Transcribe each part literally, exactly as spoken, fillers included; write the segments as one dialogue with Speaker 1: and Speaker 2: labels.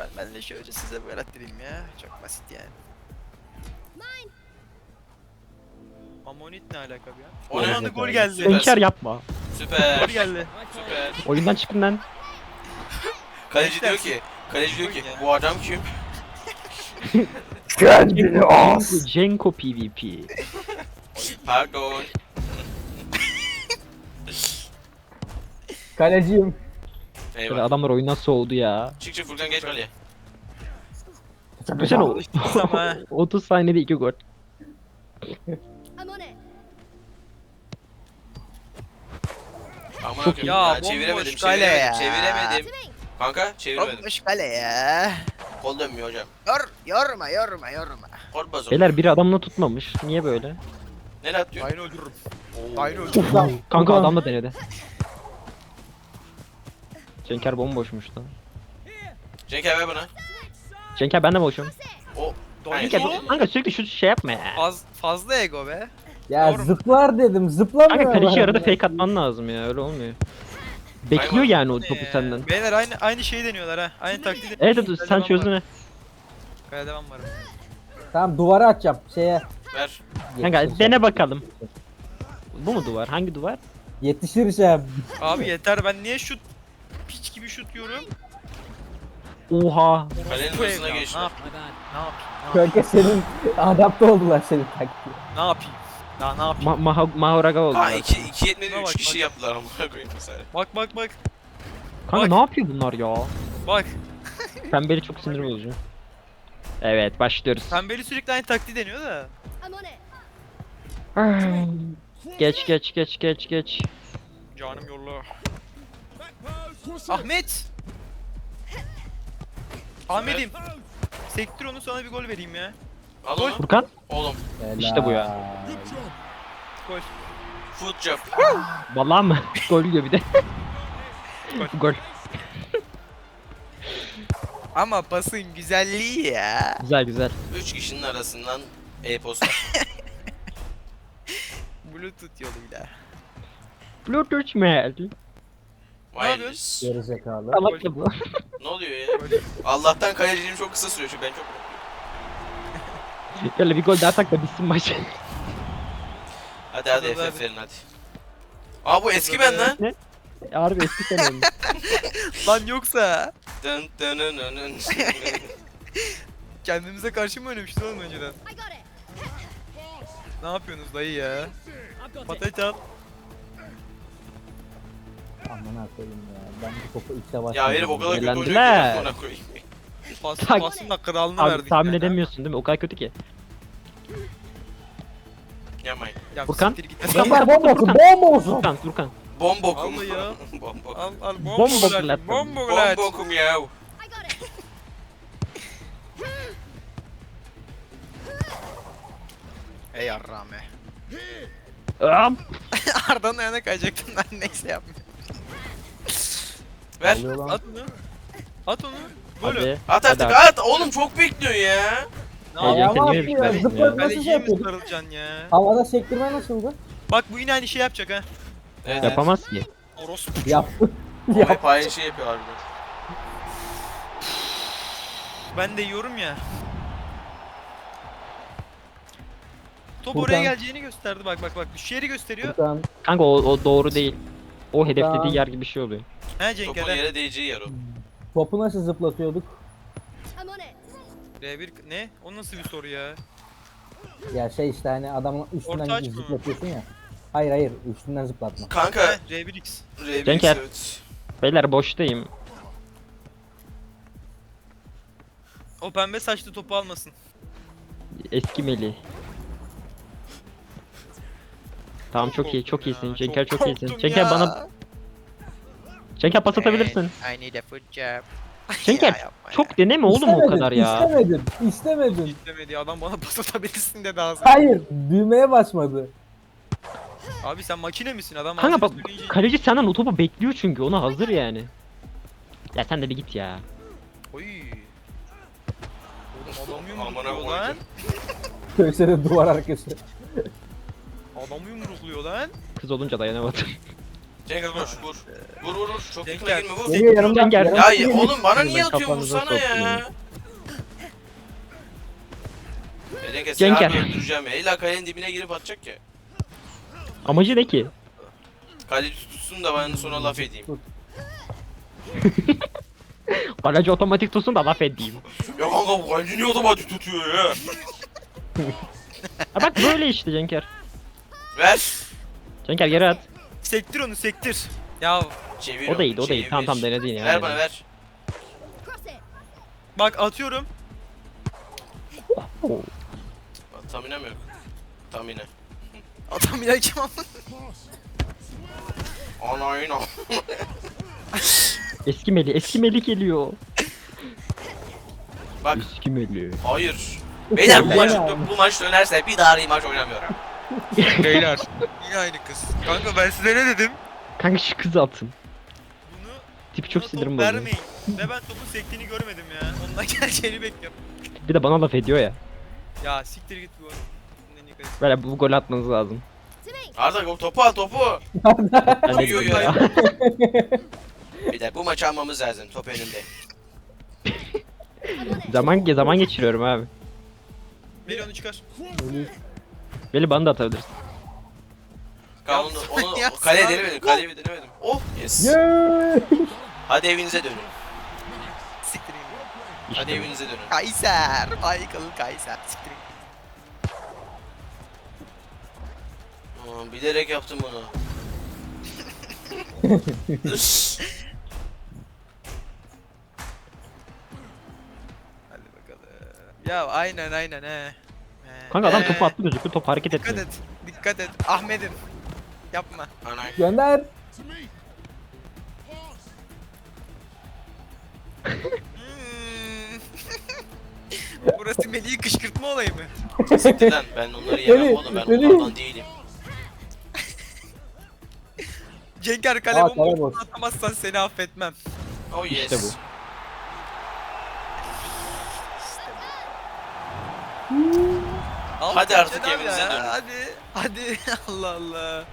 Speaker 1: ben, ben de şöyle size böyle atlayayım ya. Çok basit yani. Amonit ne alaka bir ya?
Speaker 2: O ne?
Speaker 1: Anda gol geldi.
Speaker 2: Süpersin.
Speaker 3: Hünkar yapma.
Speaker 2: Süper.
Speaker 1: Gol geldi.
Speaker 2: Süper.
Speaker 3: Oyundan çıkın lan.
Speaker 2: Kaleci diyor ki, kaleci diyor ki bu adam kim?
Speaker 3: Kendini as. Cenko PvP.
Speaker 2: Pardon.
Speaker 4: Kaleciyim.
Speaker 3: Böyle
Speaker 2: Eyvallah.
Speaker 3: adamlar oyundan soğudu ya.
Speaker 2: Çık çık Furkan geç kaleye.
Speaker 3: Düşünsene o.
Speaker 1: Alıştınız ama ha.
Speaker 3: otuz saniyede iki gol.
Speaker 5: I'm on it.
Speaker 2: Aman
Speaker 3: Çok
Speaker 2: akım.
Speaker 3: iyi.
Speaker 2: Ya,
Speaker 1: Ya,
Speaker 2: çeviremedim,
Speaker 1: bomboş kale
Speaker 2: çeviremedim,
Speaker 1: ya.
Speaker 2: çeviremedim.
Speaker 5: To me.
Speaker 2: Kanka çeviremedim.
Speaker 1: Bomboş kale ya.
Speaker 2: Kol dönmüyor hocam.
Speaker 1: Yor, yorma yorma yorma.
Speaker 2: Kol bazı.
Speaker 3: Beyler biri adamla tutmamış. Niye böyle?
Speaker 2: Nereye atıyor?
Speaker 1: Aynı öldürürüm.
Speaker 2: Oo.
Speaker 1: Aynı öldürürüm.
Speaker 4: Lan.
Speaker 3: Kanka
Speaker 4: Ulan.
Speaker 3: adam da denedi. Cenker bomboşmuş lan.
Speaker 2: Cenk ver bana.
Speaker 3: Cenker ben de boşum.
Speaker 2: O.
Speaker 1: Doink
Speaker 3: Cenker
Speaker 1: o.
Speaker 3: kanka sürekli şu şey yapma ya.
Speaker 1: Faz, fazla ego be.
Speaker 4: Ya
Speaker 1: Doğru mu?
Speaker 4: zıplar dedim zıplamıyor.
Speaker 3: Kanka kaleci
Speaker 4: bana.
Speaker 3: arada fake atman lazım ya öyle olmuyor. Bekliyor
Speaker 2: Hayvan.
Speaker 3: yani o topu
Speaker 1: Ee,
Speaker 3: senden.
Speaker 1: Beyler aynı aynı şeyi deniyorlar ha. Aynı taktiği
Speaker 3: Evet
Speaker 1: deniyorlar.
Speaker 3: evet
Speaker 1: Kale
Speaker 3: sen
Speaker 1: devam
Speaker 3: çözdün
Speaker 1: var.
Speaker 3: ha.
Speaker 1: Kale devam var.
Speaker 4: Tamam duvara atacağım şeye.
Speaker 2: Ver.
Speaker 3: Kanka
Speaker 4: Yetişir.
Speaker 3: dene bakalım. Bu mu duvar? Hangi duvar?
Speaker 4: Yetişireceğim.
Speaker 1: Abi yeter, ben niye şut piç gibi şut yiyorum?
Speaker 3: Oha.
Speaker 2: Kalenin
Speaker 1: Bu
Speaker 2: hızına
Speaker 1: evlat,
Speaker 2: geçti.
Speaker 1: Ne yapayım? Ne yapayım? Ne yapayım?
Speaker 4: Kanka senin adapte oldular senin taktiğe.
Speaker 1: Ne yapayım? Daha ne yapayım?
Speaker 3: Ma maha Mahoraga oldu.
Speaker 2: Ha iki iki yetmedi
Speaker 1: Buna
Speaker 2: üç
Speaker 1: bak,
Speaker 2: kişi
Speaker 1: bak.
Speaker 2: yaptılar amına koyayım mesela.
Speaker 1: Bak bak bak.
Speaker 3: Kanka
Speaker 1: bak.
Speaker 3: ne yapıyor bunlar ya?
Speaker 1: Bak.
Speaker 3: Pembeli çok sinir bozucu. Evet başlıyoruz.
Speaker 1: Pembeli sürekli aynı taktiği deniyor da.
Speaker 5: I'm on it.
Speaker 3: Geç geç geç geç geç.
Speaker 1: Canım yolla. Ahmet. Ahmet'im. Sektir onu, sana bir gol vereyim ya.
Speaker 2: Al
Speaker 1: Gol.
Speaker 2: onu.
Speaker 3: Furkan
Speaker 2: Oğlum.
Speaker 3: İşte bu ya.
Speaker 1: Gol.
Speaker 2: Foot job.
Speaker 3: vallahi mı? Gol yiyor bir de. Gol.
Speaker 1: Ama pasın güzelliği ya.
Speaker 3: Güzel güzel.
Speaker 2: Üç kişinin arasından e-posta.
Speaker 1: Bluetooth yoluyla.
Speaker 3: Bluetooth mail.
Speaker 2: Wireless.
Speaker 4: Gerizekalı.
Speaker 3: Salak ya bu.
Speaker 2: Ne oluyor ya? Allah'tan kaleciliğim çok kısa sürüyor çünkü ben çok...
Speaker 3: Böyle bir gol daha tak da bitsin maç.
Speaker 2: Hadi hadi
Speaker 1: Hadi,
Speaker 2: F F
Speaker 1: hadi.
Speaker 2: verin hadi. Aa bu eski ben lan.
Speaker 3: Harbi eski sen olmuş.
Speaker 1: Lan yoksa
Speaker 2: Dın dın dın dın dın.
Speaker 1: kendimize karşı mı oynamıştık oğlum önceden?
Speaker 5: I got it.
Speaker 1: Ne yapıyorsunuz dayı ya? Patates al.
Speaker 4: Aman koyayım ya. Ben bu topu ilk defa
Speaker 2: Ya herif o kadar kötü oynuyor ki
Speaker 3: Eğlendiler.
Speaker 2: amına koyayım.
Speaker 1: Pas,
Speaker 3: Tak.
Speaker 1: pasın da kralını
Speaker 3: Abi
Speaker 1: verdik.
Speaker 3: tahmin
Speaker 1: yani, ha?
Speaker 3: edemiyorsun değil mi? O kadar kötü ki.
Speaker 2: Yapmayın.
Speaker 1: Ya
Speaker 3: Furkan?
Speaker 1: siktir git.
Speaker 4: Kapar bomba olsun bomba olsun.
Speaker 3: Furkan Furkan.
Speaker 2: Bombokum.
Speaker 1: Vallahi ya.
Speaker 2: Bombokum.
Speaker 1: Al al
Speaker 3: Bombo
Speaker 1: bombo
Speaker 3: glat.
Speaker 1: glat. Bombo glat.
Speaker 2: Bombokum ya.
Speaker 5: I got it.
Speaker 1: Ey yarrağım be.
Speaker 3: Am.
Speaker 1: Arda'nın ayağına kayacaktım ben, neyse yapmıyorum.
Speaker 2: Ver.
Speaker 4: Oluyor lan.
Speaker 1: At onu. At onu. Golü.
Speaker 3: Hadi.
Speaker 2: At
Speaker 3: Hadi
Speaker 2: artık at. Oğlum çok bekliyor ya.
Speaker 1: Ne
Speaker 3: Heyecan
Speaker 1: yapayım?
Speaker 4: Ayağıma
Speaker 3: kendime
Speaker 4: atıyor.
Speaker 3: bir
Speaker 4: Zıplayıp
Speaker 3: ya.
Speaker 4: nasıl şey
Speaker 1: Kaleciye mi
Speaker 4: yapıyorduk?
Speaker 1: sarılacaksın ya?
Speaker 4: Havada sektirme nasıldı?
Speaker 1: Bak bu yine aynı şey yapacak ha.
Speaker 2: Evet.
Speaker 3: Yapamaz ki.
Speaker 1: Orospu.
Speaker 4: Yaptı.
Speaker 2: O
Speaker 4: Yap.
Speaker 2: hep aynı şey yapıyor harbiden.
Speaker 1: Ben de yiyorum ya. Top
Speaker 4: Furkan.
Speaker 1: oraya geleceğini gösterdi, bak bak bak. Şu yeri gösteriyor.
Speaker 4: Furkan.
Speaker 3: Kanka o, o doğru değil. O hedeflediği
Speaker 4: Furkan.
Speaker 3: yer gibi bir şey oluyor.
Speaker 1: He Cenk
Speaker 2: Topun
Speaker 1: Eren.
Speaker 2: yere değeceği yer o.
Speaker 4: Topu nasıl zıplatıyorduk?
Speaker 5: I'm on it.
Speaker 1: R bir ne? O nasıl bir soru ya?
Speaker 4: Ya şey işte hani adamın üstünden
Speaker 1: Orta aç mı?
Speaker 4: zıplatıyorsun ya. Hayır hayır üstünden zıplatma.
Speaker 2: Kanka.
Speaker 1: He R bir X.
Speaker 2: R bir
Speaker 3: Cenker.
Speaker 2: evet.
Speaker 3: Beyler boştayım.
Speaker 1: O pembe saçlı topu almasın.
Speaker 3: Eski Melih. Tamam çok iyi çok
Speaker 1: korktum
Speaker 3: iyisin.
Speaker 1: ya,
Speaker 3: Cenker
Speaker 1: çok
Speaker 3: çok iyisin.
Speaker 1: korktum
Speaker 3: Cenker
Speaker 1: ya.
Speaker 3: bana Cenker pas atabilirsin.
Speaker 1: I need a foot job.
Speaker 3: Cenker,
Speaker 1: Ya yapma ya.
Speaker 3: Çok deneme oğlum o
Speaker 4: İstemedin,
Speaker 3: kadar ya.
Speaker 4: İstemedin. İstemedin.
Speaker 1: İstemedi adam, bana pas atabilirsin dedi ağzına.
Speaker 4: Hayır. Düğmeye basmadı.
Speaker 1: Abi sen makine misin adam?
Speaker 3: Kanka bak
Speaker 1: ağzına söyleyince-
Speaker 3: kaleci senden o topu bekliyor çünkü ona hazır yani. Ya sen de bir git ya.
Speaker 1: Oy. Oğlum adamı
Speaker 2: Amına
Speaker 1: yumrukluyor lan.
Speaker 2: koydum.
Speaker 4: Köşede duvar arkası.
Speaker 1: Adamı yumrukluyor lan.
Speaker 3: Kız olunca dayanamadım.
Speaker 2: Cenk koş vur. Vur vur vur. Çok
Speaker 1: Cenk
Speaker 2: yakına
Speaker 1: gel.
Speaker 2: girme vur.
Speaker 4: Geliyor yanımdan.
Speaker 3: Cenker.
Speaker 4: yanımdan
Speaker 2: Ya
Speaker 4: geliyor.
Speaker 2: oğlum bana
Speaker 3: Ben
Speaker 2: niye atıyorsun
Speaker 3: kafanıza
Speaker 2: vursana ya.
Speaker 3: sokayım.
Speaker 2: Ya Cenk seni
Speaker 3: Cenker.
Speaker 2: abi öldüreceğim ya. İlla kalenin dibine girip atacak ya.
Speaker 3: Amacı ne ki?
Speaker 2: Kale tutsun da ben sonra laf edeyim.
Speaker 3: Kaleci otomatik tutsun da laf edeyim.
Speaker 2: Ya kanka bu kaleci niye otomatik tutuyor ya?
Speaker 3: Ha bak böyle işte Cenker.
Speaker 2: Ver.
Speaker 3: Cenker geri at.
Speaker 1: Sektir onu sektir. Ya
Speaker 2: Çevir
Speaker 3: O da iyiydi o
Speaker 2: onu,
Speaker 3: da iyi. Tamam
Speaker 2: çevir.
Speaker 3: tamam denedin ya.
Speaker 2: Ver bana ver.
Speaker 5: Cross it.
Speaker 1: bak atıyorum.
Speaker 3: Oo.
Speaker 2: Tamine mi yok? Tamine.
Speaker 1: Adam yine kim ama?
Speaker 2: Ana yine.
Speaker 3: Eski Meli, eski Meli geliyor.
Speaker 2: Bak
Speaker 3: Eski Meli.
Speaker 2: hayır. Beyler bu
Speaker 4: Ya.
Speaker 2: maç, bu maç dönerse bir daha maç oynamıyorum.
Speaker 1: Beyler. Yine aynı kız. Kanka ben size ne dedim?
Speaker 3: Kanka şu kızı atın.
Speaker 1: Bunu
Speaker 3: Tipi çok
Speaker 1: buna
Speaker 3: sinirim
Speaker 1: top
Speaker 3: bozuyor.
Speaker 1: vermeyin. Ve ben topun sektiğini görmedim ya. Ondan geleceğini bekliyorum.
Speaker 3: Bir de bana laf ediyor ya.
Speaker 1: Ya siktir git bu. En iyi kalesi.
Speaker 3: Böyle bu gol atmanız lazım.
Speaker 5: To me.
Speaker 2: Arda o topu al topu.
Speaker 3: Ben de
Speaker 2: Uyuyor
Speaker 3: gidiyorum
Speaker 2: ya.
Speaker 3: ya.
Speaker 2: Beyler bu maçı almamız lazım top önünde.
Speaker 5: I'm on it.
Speaker 3: Zaman zaman geçiriyorum abi.
Speaker 1: Beni onu çıkar.
Speaker 3: Beni bana da atabilirsin.
Speaker 2: Kanka onu, onu
Speaker 1: Ya,
Speaker 2: kaleye
Speaker 1: sağ-
Speaker 2: denemedim kaleye denemedim. Oh yes.
Speaker 4: Yeee.
Speaker 2: Hadi evinize dönün.
Speaker 1: Siktir git.
Speaker 3: İşte
Speaker 2: Hadi
Speaker 3: bu.
Speaker 2: evinize dönün.
Speaker 1: Kayser. Michael Kayser. Siktir git.
Speaker 2: Aa, bilerek yaptım bunu.
Speaker 1: Hadi bakalım. Ya aynen aynen he. He.
Speaker 3: Kanka adam
Speaker 1: He.
Speaker 3: topu attı gözüküyor. Top hareket
Speaker 1: Dikkat
Speaker 3: etmiyor.
Speaker 1: et. Dikkat et. Ahmet'im. Yapma.
Speaker 2: Ana.
Speaker 4: Gönder.
Speaker 1: Hmm. Burası Melih'i kışkırtma olayı mı?
Speaker 2: Siktir lan ben onları yemem
Speaker 4: Melih,
Speaker 2: oğlum ben
Speaker 4: Melih.
Speaker 2: onlardan değilim.
Speaker 1: Cenker kale
Speaker 4: Aa, kale
Speaker 1: bomboş
Speaker 4: boş.
Speaker 1: atamazsan seni affetmem.
Speaker 2: Oh yes.
Speaker 3: İşte bu.
Speaker 1: Al
Speaker 2: Hadi
Speaker 1: Cenk
Speaker 2: artık
Speaker 1: abi
Speaker 2: evinize
Speaker 1: ya,
Speaker 2: dönün.
Speaker 1: Hadi. Hadi. Allah Allah.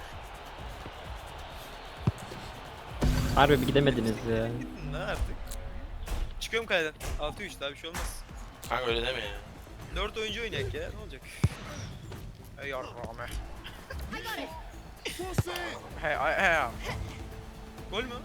Speaker 3: Harbi bir gidemediniz ya.
Speaker 1: Gidin lan artık. Çıkıyorum kaleden. altı üç daha bir şey olmaz.
Speaker 2: Kanka öyle deme ya.
Speaker 1: dört oyuncu oynayak ya. Ne olacak? Hey yavrum.
Speaker 5: I got it.
Speaker 1: Hey hey hey. Gol mü?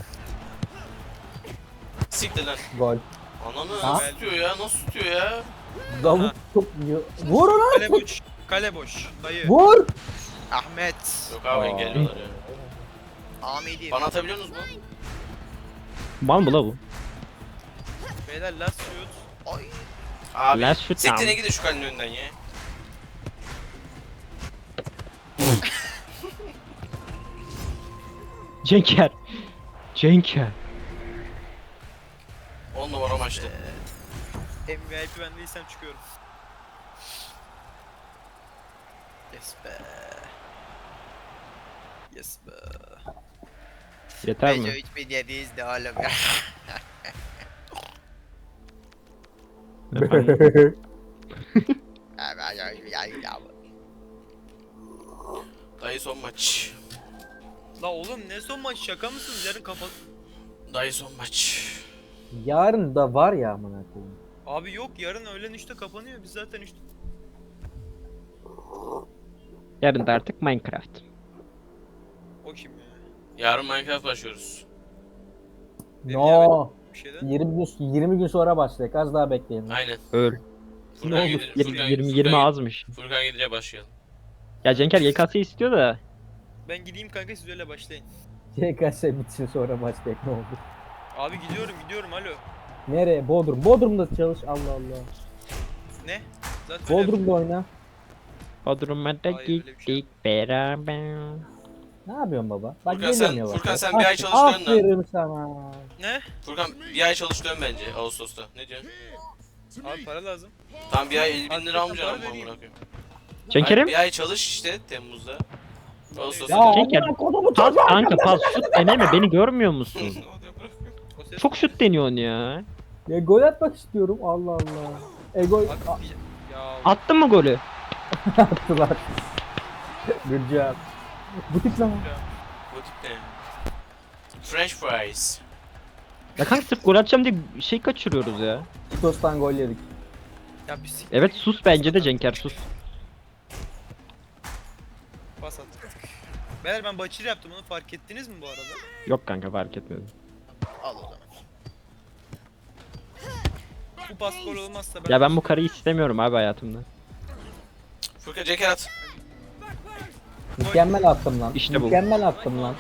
Speaker 2: Siktir lan.
Speaker 4: Gol.
Speaker 2: Ananı
Speaker 4: Ha?
Speaker 2: nasıl tutuyor ya nasıl tutuyor ya?
Speaker 4: Davut çok iyi. Vur lan.
Speaker 1: Kale boş. Kale boş. Dayı.
Speaker 4: Vur.
Speaker 1: Ahmet.
Speaker 2: Yok abi
Speaker 4: Aa.
Speaker 2: engelliyorlar ya.
Speaker 1: Ahmet'im.
Speaker 2: Bana atabiliyor musunuz mu?
Speaker 3: Mal mı la bu?
Speaker 1: Beyler last shoot. Ay.
Speaker 2: Abi
Speaker 3: Last shoot
Speaker 2: siktir
Speaker 3: down.
Speaker 2: gidin şu kalenin önünden ya.
Speaker 3: Cenker. Cenker.
Speaker 2: on numara maçtı.
Speaker 1: M V I P ben değilsem çıkıyorum. Yes be. Yes be.
Speaker 3: Yeter mi?
Speaker 1: üç bin yedi yüz de oğlum ya.
Speaker 3: Efendim?
Speaker 2: Dayı son maç.
Speaker 1: La oğlum ne son maç şaka mısınız? Yarın kapat.
Speaker 2: Dayı son maç.
Speaker 4: Yarın da var ya amına koyayım.
Speaker 1: Abi yok yarın öğlen üçte kapanıyor. Biz zaten üçte.
Speaker 3: Yarın da artık Minecraft.
Speaker 1: O kim ya?
Speaker 2: Yarın Minecraft başlıyoruz.
Speaker 4: No.
Speaker 1: Bir şeyden.
Speaker 4: yirmi gün yirmi gün sonra başlayacak. Az daha bekleyin.
Speaker 2: Aynen.
Speaker 3: Öl.
Speaker 2: Furkan
Speaker 4: oldu?
Speaker 2: gidince,
Speaker 3: yirmi
Speaker 2: Furkan,
Speaker 3: yirmi
Speaker 2: Furkan,
Speaker 3: yirmi azmış.
Speaker 2: Furkan gidince başlayalım.
Speaker 3: Ya Cenker Y K S istiyor da.
Speaker 1: Ben gideyim kanka siz öyle başlayın.
Speaker 4: C K S bitsin sonra başlayacak ne oldu?
Speaker 1: Abi gidiyorum gidiyorum alo.
Speaker 4: Nereye? Bodrum. Bodrum'da çalış. Allah Allah.
Speaker 1: Ne? Zaten öyle-
Speaker 4: Bodrum'da oyna.
Speaker 3: Bodrum'a da
Speaker 1: Hayır, öyle bir şey
Speaker 3: gittik beraber.
Speaker 4: Ne yapıyorsun baba? Bak
Speaker 2: Furkan
Speaker 4: geliyorum
Speaker 2: sen-
Speaker 4: yavaş.
Speaker 2: Furkan sen
Speaker 4: yavaş.
Speaker 2: bir ay çalış dön lan.
Speaker 4: Aferin sana.
Speaker 1: Ne?
Speaker 2: Furkan bir ay çalış dön bence Ağustos'ta. Ne diyorsun?
Speaker 1: Abi para lazım.
Speaker 2: Tam bir ay elli bin lira
Speaker 1: Hakikaten
Speaker 2: almayacaksın
Speaker 1: para
Speaker 2: ama
Speaker 1: vereyim.
Speaker 2: amına koyayım.
Speaker 3: Cenker'im.
Speaker 2: Bir ay çalış işte Temmuz'da. Ağustos'ta.
Speaker 4: Ya
Speaker 3: Cenker,
Speaker 4: amına kodumu
Speaker 3: Pas
Speaker 4: çocuğa.
Speaker 3: kanka pas şut deneme beni görmüyor musun?
Speaker 1: O ses-
Speaker 3: Çok şut deniyorsun ya.
Speaker 4: Ya gol atmak istiyorum. Allah Allah. E gol
Speaker 1: Abi bir- ya
Speaker 3: Attın mı golü?
Speaker 4: attılar. Good job. Bu tip zaman.
Speaker 2: Bu tip ne? French fries.
Speaker 3: Ya kanka sırf gol atacağım diye şey kaçırıyoruz ya.
Speaker 4: Stos'tan gol yedik.
Speaker 1: Ya bir siktir
Speaker 3: Evet
Speaker 1: git.
Speaker 3: sus bence de Cenker sus.
Speaker 1: Pas at. Beyler ben Bachir yaptım, onu fark ettiniz mi bu arada?
Speaker 3: Yok kanka fark etmedim.
Speaker 1: Al o zaman. Bu pas gol olmazsa ben...
Speaker 3: Ya ben bu karıyı istemiyorum abi hayatımda.
Speaker 2: Furkan Ceker at.
Speaker 4: Mükemmel attım lan.
Speaker 3: İşte bu.
Speaker 4: Mükemmel attım lan.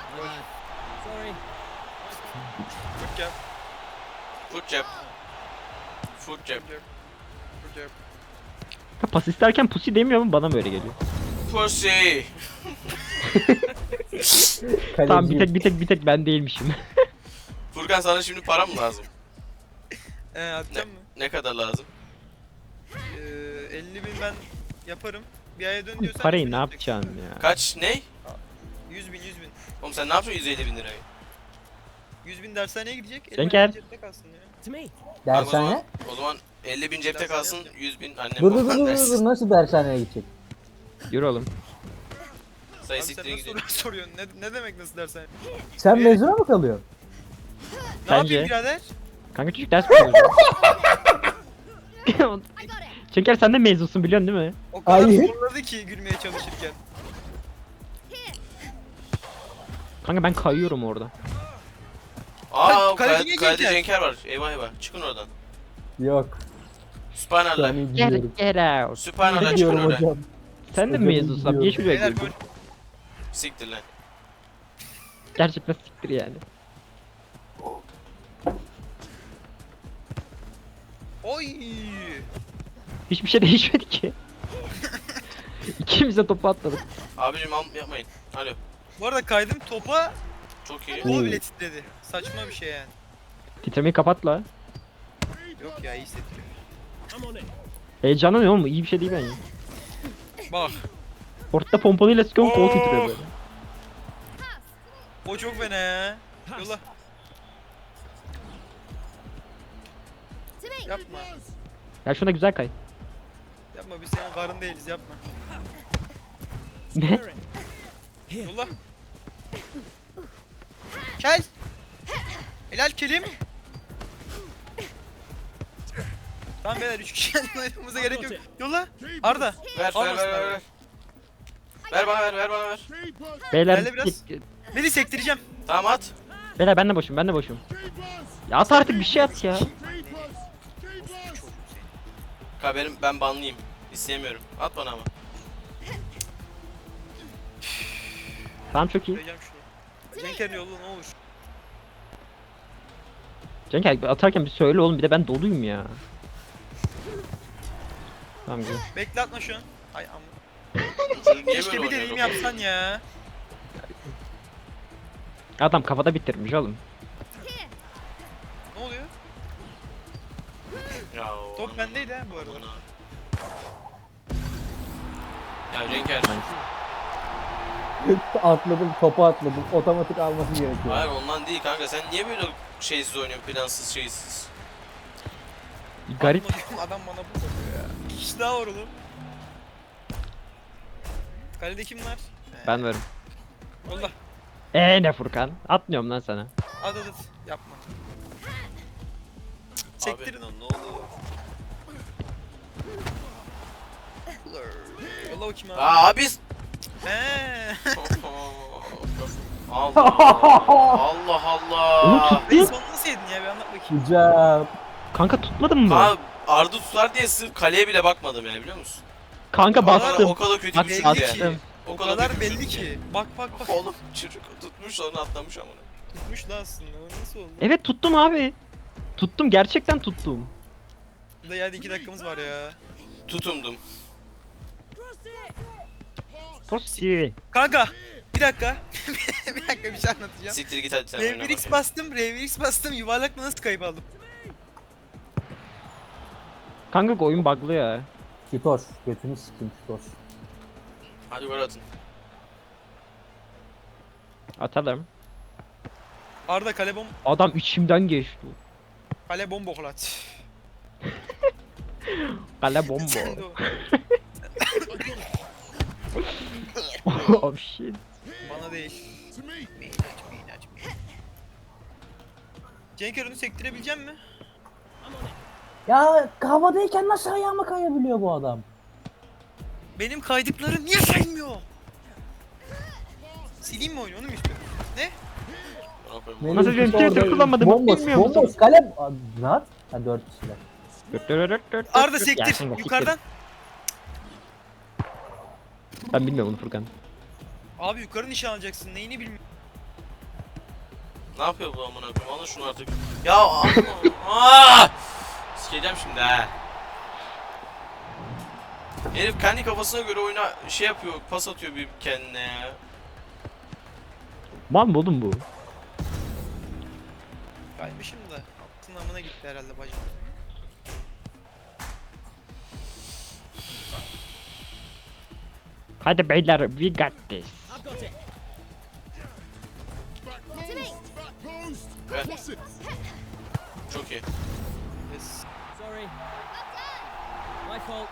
Speaker 1: Fırk yap.
Speaker 2: Foot jab. Foot jab.
Speaker 1: Fırk yap. Fırk yap.
Speaker 3: Ha, pas isterken pussy demiyor mu bana böyle geliyor.
Speaker 2: Pussy.
Speaker 4: Kaleci.
Speaker 3: Tamam bir tek bir tek bir tek ben değilmişim.
Speaker 2: Furkan sana şimdi para mı lazım?
Speaker 1: Ee atacağım mı?
Speaker 2: Ne kadar lazım?
Speaker 1: Ee, elli bin ben yaparım. Bir aya dön
Speaker 3: Bu
Speaker 1: diyorsan...
Speaker 3: parayı
Speaker 1: yüz bin
Speaker 3: ne
Speaker 1: yapacak.
Speaker 3: yapacaksın ya?
Speaker 2: Kaç? Ne?
Speaker 1: yüz bin, yüz bin.
Speaker 2: Oğlum sen ne yapacaksın yüz elli bin lirayı?
Speaker 1: yüz bin dershaneye gidecek. elli
Speaker 3: Sen
Speaker 1: bin
Speaker 3: gel.
Speaker 1: cepte kalsın ya.
Speaker 2: Tamam, o zaman,
Speaker 4: Dershane?
Speaker 2: o zaman elli bin cepte
Speaker 1: Dershane
Speaker 2: kalsın,
Speaker 1: yapacağım.
Speaker 2: yüz bin annem
Speaker 4: Dur dur dur
Speaker 2: baban
Speaker 4: dur dur
Speaker 2: dersin.
Speaker 4: nasıl dershaneye gidecek?
Speaker 3: Yürü oğlum.
Speaker 2: Sayı
Speaker 1: Abi sen
Speaker 2: siktirin
Speaker 1: nasıl
Speaker 2: gidelim.
Speaker 1: soru soruyorsun? Ne, ne demek nasıl dershane?
Speaker 4: Sen
Speaker 1: Ee,
Speaker 4: mezuna mı kalıyorsun?
Speaker 1: Ne
Speaker 3: Bence.
Speaker 1: yapayım birader?
Speaker 3: Kanka çocuk ders mi çalışıyor?
Speaker 5: I got it.
Speaker 3: Cenker sen de mezunsun biliyorsun değil mi?
Speaker 1: O kadar
Speaker 4: Hayır.
Speaker 1: zorladı ki gülmeye çalışırken.
Speaker 3: Kanka ben kayıyorum orada.
Speaker 2: Aa,
Speaker 1: Kaleci
Speaker 2: kalede,
Speaker 1: niye
Speaker 2: kalede
Speaker 1: Cenker?
Speaker 2: Cenker var. Eyvah eyvah. Çıkın oradan.
Speaker 4: Yok. Şu an
Speaker 2: Sübhanallah.
Speaker 4: gidiyorum.
Speaker 3: Get, get out.
Speaker 2: Sübhanallah çıkın
Speaker 4: Gidiyorum
Speaker 2: oradan.
Speaker 4: hocam.
Speaker 3: Sen de mi
Speaker 4: Hocam
Speaker 3: mezunsun abi? Niye şuraya
Speaker 1: Beyler
Speaker 3: girdin?
Speaker 1: gol.
Speaker 2: Siktir lan.
Speaker 3: Gerçekten siktir yani.
Speaker 1: Oy!
Speaker 3: Hiçbir şey değişmedi ki. İkimiz de topu atladık.
Speaker 2: Abicim al yapmayın. Alo.
Speaker 1: Bu arada kaydım topa,
Speaker 2: Çok iyi.
Speaker 1: kolu bile titredi. Saçma bir şey yani.
Speaker 3: Titremeyi kapat la.
Speaker 1: Yok ya, iyi hissettiriyor.
Speaker 3: Heyecanlanıyor oğlum, iyi bir şey değil bence.
Speaker 1: Bak,
Speaker 3: Ortada pompalıyla sıkıyorum, kol
Speaker 1: Oh.
Speaker 3: titriyor böyle.
Speaker 1: o çok fena ya. Yola.
Speaker 5: To me.
Speaker 1: Yapma.
Speaker 3: Ya şuna güzel kay.
Speaker 1: Yapma, biz senin karın değiliz, yapma.
Speaker 3: Ne?
Speaker 1: Yola. Kel. Helal kelim. Tamam beyler, üç kişi oynamamıza gerek yok. Yola. Arda.
Speaker 2: Ver ver
Speaker 1: Almasın
Speaker 2: ver ver.
Speaker 1: abi.
Speaker 2: Ver, ver bana ver ver bana ver.
Speaker 3: Beyler,
Speaker 1: Gel biraz. Beni sektireceğim.
Speaker 2: Tamam at.
Speaker 3: beyler ben de boşum, ben de boşum. Ya at artık bir şey at ya.
Speaker 2: Ka benim ben banlıyım. İstemiyorum. At bana ama.
Speaker 3: Tamam çok iyi.
Speaker 1: Söyleyeceğim şunu. Cenker yolla ne olur.
Speaker 3: Cenk atarken bir söyle oğlum, bir de ben doluyum ya. Tamam güzel.
Speaker 1: Bekle, atma şu an. Ay amma.
Speaker 2: Çocuk niye
Speaker 1: Keşke
Speaker 2: böyle
Speaker 1: bir deneyim
Speaker 2: oynuyor?
Speaker 1: yapsan ya.
Speaker 3: Adam kafada bitirmiş oğlum.
Speaker 1: Ne oluyor?
Speaker 2: Ya, o
Speaker 1: Top
Speaker 2: aman,
Speaker 1: bendeydi ha bu arada.
Speaker 2: aman ha. Ya Cenker.
Speaker 4: Atladım, topu atladım. Otomatik alması gerekiyor.
Speaker 2: Hayır ondan değil kanka. Sen niye böyle şeysiz oynuyorsun? Plansız şeysiz.
Speaker 3: Garip.
Speaker 1: Adam, adam bana bu soruyor ya. İki kişi daha var oğlum. Kalede kim var?
Speaker 3: Ben varım.
Speaker 1: Yolla.
Speaker 3: Eee ne Furkan? Atmıyorum lan sana.
Speaker 1: At at at. Yapma. Sektirin onu ne olur. Yolla o kim abi?
Speaker 2: Aa abi.
Speaker 1: Eee.
Speaker 2: Allah Allah
Speaker 3: Onu
Speaker 2: Allah.
Speaker 1: Reis
Speaker 3: tuttu.
Speaker 1: onu nasıl yedin ya, bir anlat bakayım.
Speaker 4: Hocam.
Speaker 3: Kanka tutmadın mı?
Speaker 2: Abi Arda tutar diye sırf kaleye bile bakmadım yani biliyor musun?
Speaker 3: Kanka
Speaker 2: O kadar,
Speaker 3: bastım.
Speaker 2: o kadar kötü
Speaker 3: Bak,
Speaker 2: bir
Speaker 1: Belli
Speaker 2: şut
Speaker 1: ki.
Speaker 2: yani.
Speaker 1: O
Speaker 2: kadar
Speaker 1: kadar
Speaker 2: kötü
Speaker 1: belli
Speaker 2: bir şut
Speaker 1: ki.
Speaker 2: yani.
Speaker 1: Bak bak bak.
Speaker 2: Oğlum çocuk tutmuş sonra atlamış ama.
Speaker 1: Tutmuş lan aslında. O nasıl oldu?
Speaker 3: Evet tuttum abi. Tuttum, gerçekten tuttum.
Speaker 1: Bir de yani iki dakikamız var ya.
Speaker 2: Tutumdum.
Speaker 3: Tosti.
Speaker 1: Kanka. Bir dakika. bir dakika bir şey anlatacağım.
Speaker 2: Siktir git hadi sen oyna
Speaker 1: Rev X
Speaker 2: bakayım.
Speaker 1: bastım, Rev X bastım, yuvarlakla nasıl kayıp aldım?
Speaker 3: Kanka oyun bug'lı ya.
Speaker 4: Şitoş. Götünü sikeyim Şitoş.
Speaker 2: Hadi gol atın.
Speaker 3: Atalım.
Speaker 1: Arda kale bom,
Speaker 3: Adam içimden geçti.
Speaker 1: kale bom boklat.
Speaker 3: Kale bombo.
Speaker 1: Sen de o.
Speaker 3: Oh shit.
Speaker 1: Bana değil. Minaj, minaj, minaj. Cenker onu sektirebilecek mi?
Speaker 4: Ya havadayken nasıl ayağıma kayabiliyor bu adam?
Speaker 1: Benim kaydıklarım niye saymıyor? Sileyim mi oyunu onu mu istiyorsun? Ne?
Speaker 2: Bana koyayım.
Speaker 4: Melih
Speaker 3: Nasıl
Speaker 4: işte
Speaker 3: Cenk
Speaker 4: orada
Speaker 3: kullanmadım,
Speaker 4: bomboş,
Speaker 3: bilmiyor musun?
Speaker 4: bomboş, kalem. Aa, rahat. Ha dört kişiler.
Speaker 3: Dört, dört, dört, dört,
Speaker 1: Arda
Speaker 3: dört. Ya
Speaker 1: sektir
Speaker 3: kanka, siktir.
Speaker 1: yukarıdan.
Speaker 3: Ben bilmiyorum onu Furkan.
Speaker 1: Abi yukarı nişan alacaksın neyini bilmiyorum.
Speaker 2: Ne yapıyor bu amına koyayım? Alın şunu artık. Ya amma. Aa! Sikeceğim şimdi ha. Herif kendi kafasına göre oyuna şey yapıyor, pas atıyor bir kendine ya.
Speaker 3: Mal mı oğlum bu?
Speaker 1: Kaymışım da altın amına gitti herhalde bacım.
Speaker 3: Hadi beyler, we got this.
Speaker 5: To me.
Speaker 2: Ver. Çok iyi.
Speaker 1: Yes.
Speaker 6: Sorry. My fault.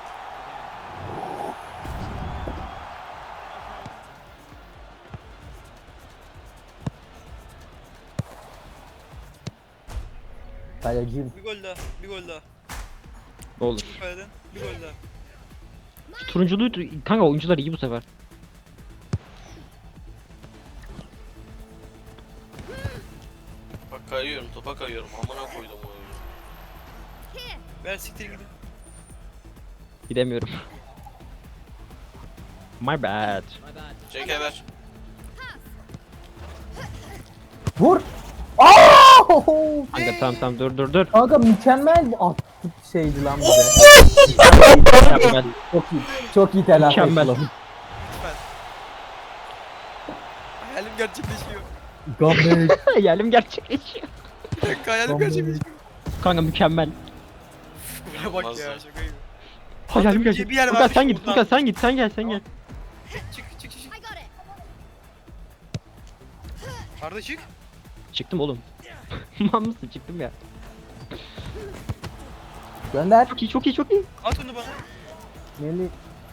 Speaker 4: Kaleciyim.
Speaker 1: Bir gol daha, bir gol daha.
Speaker 3: Olur.
Speaker 1: Bu kaleden bir gol daha.
Speaker 3: Şu turunculuğu kanka, oyuncular iyi bu sefer.
Speaker 2: Bak kayıyorum, topa kayıyorum. Amına koydum o oyunu.
Speaker 5: Here.
Speaker 1: Ver siktir gidin.
Speaker 3: Gidemiyorum. My bad.
Speaker 6: My bad.
Speaker 2: Cenk'e ver.
Speaker 4: Vur. Aa!
Speaker 3: Kanka tamam tamam, dur dur dur.
Speaker 4: Kanka mükemmel bir attık şeydi lan bize.
Speaker 3: Mükemmel.
Speaker 4: Çok iyi. Çok iyi telafi
Speaker 3: Mükemmel.
Speaker 4: ettim.
Speaker 1: Lütfen. Hayalim gerçekleşiyor.
Speaker 4: Gambit.
Speaker 3: Hayalim gerçekleşiyor.
Speaker 1: Bir dakika hayalim
Speaker 4: Gambit.
Speaker 1: gerçekleşiyor.
Speaker 3: Kanka mükemmel.
Speaker 1: Buna bak
Speaker 2: Olmaz
Speaker 1: ya
Speaker 2: ya.
Speaker 1: şaka gibi.
Speaker 3: Hayalim
Speaker 1: bir
Speaker 3: gerçekleşiyor.
Speaker 1: yer
Speaker 3: Furkan
Speaker 1: varmış
Speaker 3: sen git,
Speaker 1: buradan.
Speaker 3: Furkan sen git, sen gel, sen gel.
Speaker 1: Çık çık çık çık.
Speaker 5: I got it.
Speaker 1: Arda çık.
Speaker 3: Çıktım oğlum. Mal mısın? Çıktım ya.
Speaker 4: Gönder.
Speaker 3: Çok iyi, çok iyi, çok iyi.
Speaker 1: At onu bana.
Speaker 4: Melih.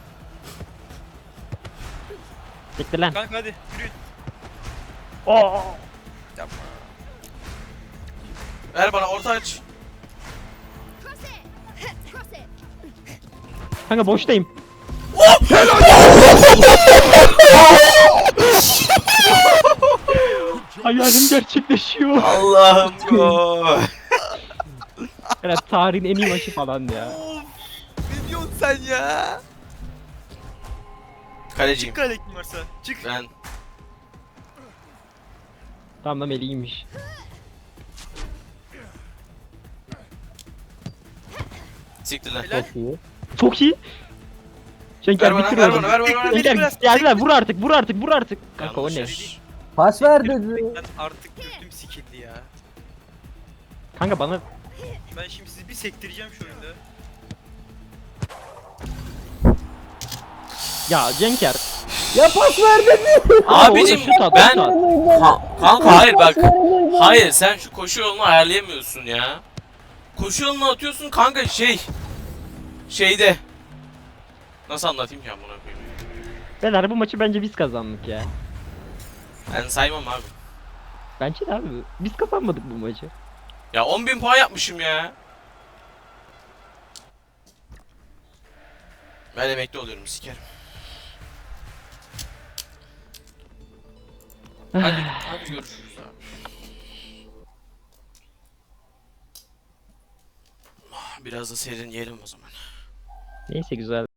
Speaker 3: Bekle lan.
Speaker 1: Kanka hadi yürüyün.
Speaker 3: Oo.
Speaker 1: Yapma.
Speaker 2: Ver bana orta aç.
Speaker 5: Cross it. Cross it.
Speaker 3: Kanka boştayım. Hayalim gerçekleşiyor.
Speaker 2: Allah'ım gol.
Speaker 3: Evet, tarihin en iyi maçı falan ya.
Speaker 1: Of. Ne diyorsun sen ya?
Speaker 2: Kaleciyim.
Speaker 1: Çık kale kim varsa. Çık.
Speaker 2: Ben.
Speaker 3: Tamam lan, Melih'iymiş.
Speaker 2: Siktir lan.
Speaker 1: Helal.
Speaker 4: Çok iyi.
Speaker 3: Çok iyi. Şenker
Speaker 2: Ver bana,
Speaker 3: bitir
Speaker 2: ver
Speaker 3: oğlum.
Speaker 2: bana, ver bana, ver bana.
Speaker 3: Şenker
Speaker 1: Biraz-
Speaker 3: geldiler, vur artık, vur artık, vur artık. Kanka o
Speaker 2: Yanlış
Speaker 3: ne?
Speaker 2: yer.
Speaker 4: Pas ver dedi.
Speaker 1: Ben artık götüm sikildi ya.
Speaker 3: Kanka bana
Speaker 1: Ben şimdi sizi bir sektireceğim şu oyunda.
Speaker 3: ya Cenker.
Speaker 4: Ya pas ver dedi.
Speaker 2: Abicim
Speaker 3: Orada şut at,
Speaker 2: ben...
Speaker 3: şut at.
Speaker 2: Ha, kanka hayır bak. Hayır sen şu koşu yolunu ayarlayamıyorsun ya. Koşu yolunu atıyorsun kanka şey. Şeyde. Nasıl anlatayım ki ben buna koyayım?
Speaker 3: Beyler, bu maçı bence biz kazandık ya.
Speaker 2: Ben saymam abi.
Speaker 3: Bence de abi. Biz kazanmadık bu maçı.
Speaker 2: Ya on bin puan yapmışım ya. Ben emekli oluyorum sikerim. Hadi, hadi görüşürüz abi. Biraz da serin yiyelim o zaman.
Speaker 3: Neyse, güzel.